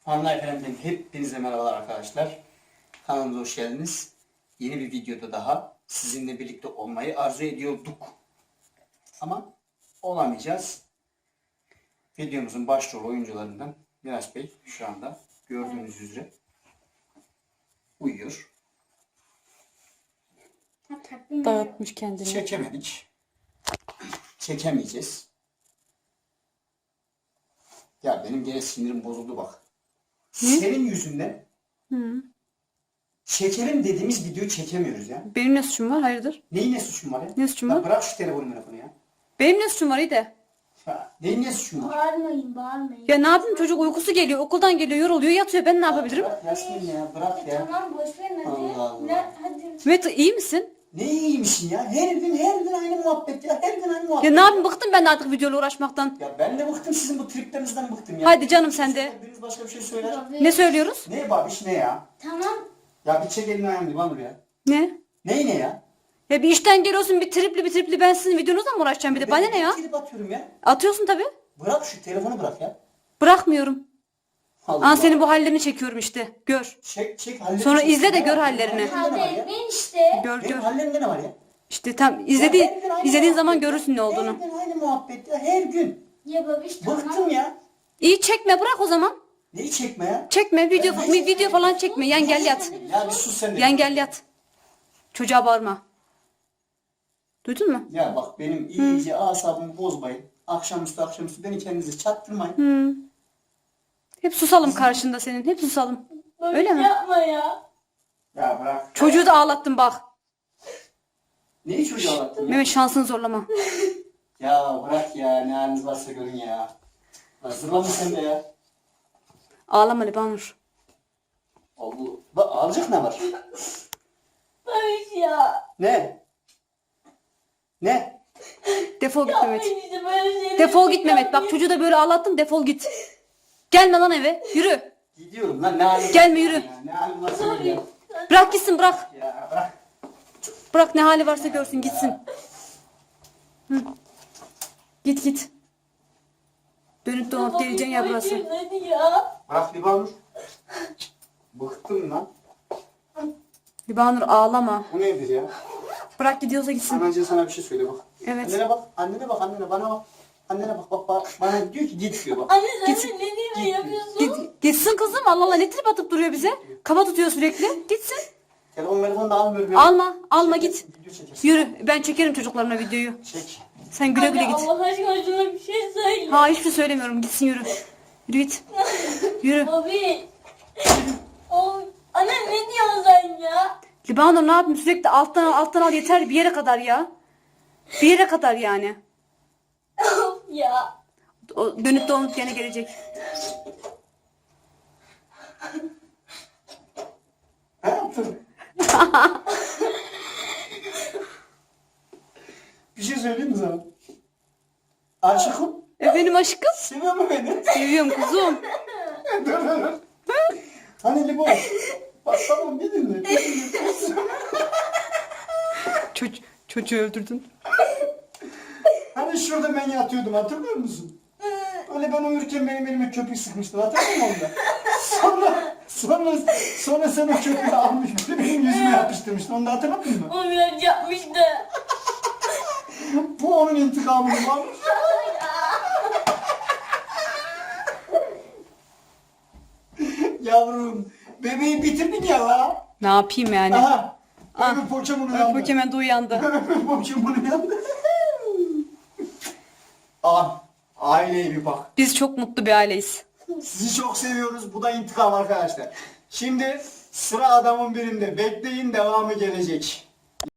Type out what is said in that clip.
Fanlar Efendi'den hepinize merhabalar arkadaşlar. Kanalımıza hoş geldiniz. Yeni bir videoda daha sizinle birlikte olmayı arzu ediyorduk. Ama olamayacağız. Videomuzun başrol oyuncularından Miraç Bey şu anda gördüğünüz üzere uyuyor. Dağıtmış kendini. Çekemedik. Çekemeyeceğiz. Ya benim gene sinirim bozuldu bak. Senin yüzünden çekelim dediğimiz videoyu çekemiyoruz ya. Benim ne suçum var? Hayırdır? Neyin ne suçun var ya? Ne suçum Ya var? bırak şu telefonu ya. Benim ne suçum var iyi de. Ya, neyin ne suçun var? Bağırmayın. Ya ne yapayım, çocuk uykusu geliyor, okuldan geliyor, yoruluyor, yatıyor. Ben ne yapabilirim? Bırak Yasmin ya, bırak ya. Tamam boş verin hadi. Allah Allah. Hadi. Mehmet iyi misin? Ne iyiymişsin ya? Her gün aynı muhabbet ya. Her gün aynı Ya muhabbet. ne yapayım, bıktım ben de artık videoyla uğraşmaktan. Ya ben de bıktım sizin bu triplerinizden bıktım ya. Hadi canım sen de. Biriniz başka bir şey söyler. Ne söylüyoruz? Ne babiş ne ya? Tamam. Ya bir çek elini ayağını Libanur ya. Ne? Ne ya? Ya bir işten geliyorsun bir tripli ben sizin videonuzla mı uğraşacağım bir de? Bana ne ya? Trip atıyorum ya. Atıyorsun tabii. Bırak şu telefonu bırak ya. Bırakmıyorum. Allah Aa, senin bu hallerini çekiyorum işte. Gör. Çek hallerini. Sonra çek. izle de Ne gör var? hallerini. Benim hallerimde ne var ya? Ben işte. Gör Benim gör. hallerimde ne var ya? İşte tam Ya her izlediğin gün aynı izlediğin zaman muhabbet görürsün ne ya. olduğunu. Her gün aynı muhabbet ya. Her gün. Ya babiş tamam. Bıktım ya. İyi çekme, bırak o zaman. Neyi çekme ya? Çekme video Ya ne video falan çekme. Yan gel yat. Ya bir sus sen de. Yan gel yat. Çocuğa bağırma. Duydun mu? Ya bak benim iyice asabımı bozmayın. Akşamüstü beni kendinize çattırmayın. Hı. Hep susalım karşında senin. Hep susalım. Babiş Öyle mi? yapma ya. Ya bırak. Çocuğu da ağlattın bak. Neyi çocuğa anlattın ya? Mehmet şansını zorlama. Ya bırak ya ne haliniz varsa görün ya. Hazırlanın sen de ya. Ağlama Libanur. Allah. Bak alacak ne var? Babiş ya. Ne? Ne? Defol git Mehmet. Ben işte böyle şeyler Defol git Mehmet. Bak çocuğu da böyle ağlattın, defol git. Gelme lan eve. Yürü. Gidiyorum lan ne halin Gelme, varsa yürü. ya. Ne halin varsa görün ya. Bırak gitsin, bırak. Ya bırak. Bırak, ne hali varsa görsün gitsin. Hı. Git. Dönüp dolanıp geleceksin ya burası. Babişim, hadi ya. Bırak Libanur. Bıktım lan. Libanur ağlama. Bu nedir ya? Bırak gidiyorsa gitsin. Anacığım sana bir şey söyle bak. Evet. Annene bak, annene bana bak. Annene bak, bana diyor ki git diyor bak. Anne sen Git. de ne diye yapıyorsun? Gitsin kızım. Allah Allah, ne trip atıp duruyor bize. Kafa tutuyor sürekli. Gitsin. Telefonu da almıyorum ya. Alma git. Video çekersin. Yürü. Ben çekerim çocuklarımla videoyu. Çek. Sen güle güle Anne git. Allah aşkına şuna bir şey söyle. Ha, hiçbir şey söylemiyorum. Gitsin, yürü. Yürü git. Yürü. Babi. Anne ne diyorsun sen ya? Libanur ne yapayım, sürekli alttan al yeter bir yere kadar ya. Bir yere kadar yani. Of ya. O dönüp dolanıp gene gelecek. Ne yaptın? Bir şey söyleyeyim mi sana? Aşıkım. Benim aşkım. Seviyor mu beni? Seviyorum kuzum. Dur. Hani limon. Bak tamam bir dinle. Çocuğu öldürdün. Hani şurada ben yatıyordum hatırlıyor musun? Öyle ben uyurken benim elime köpük sıkmıştın hatırlıyor musun onda? Sonra sen o köpüğü almış böyle benim yüzüme yapıştırmıştın onu da hatırladın mı? O biraz yapmıştı. Bu onun intikamını almış. Yavrum bebeği bitirdin ya la. Ne yapayım yani? Aha. Öbür poçamın uyandı. Pokemon de uyandı. Öbür poçamın uyandı. Aileye bir bak. Biz çok mutlu bir aileyiz. Sizi çok seviyoruz. Bu da intikam arkadaşlar. Şimdi sıra adamın birinde. Bekleyin devamı gelecek.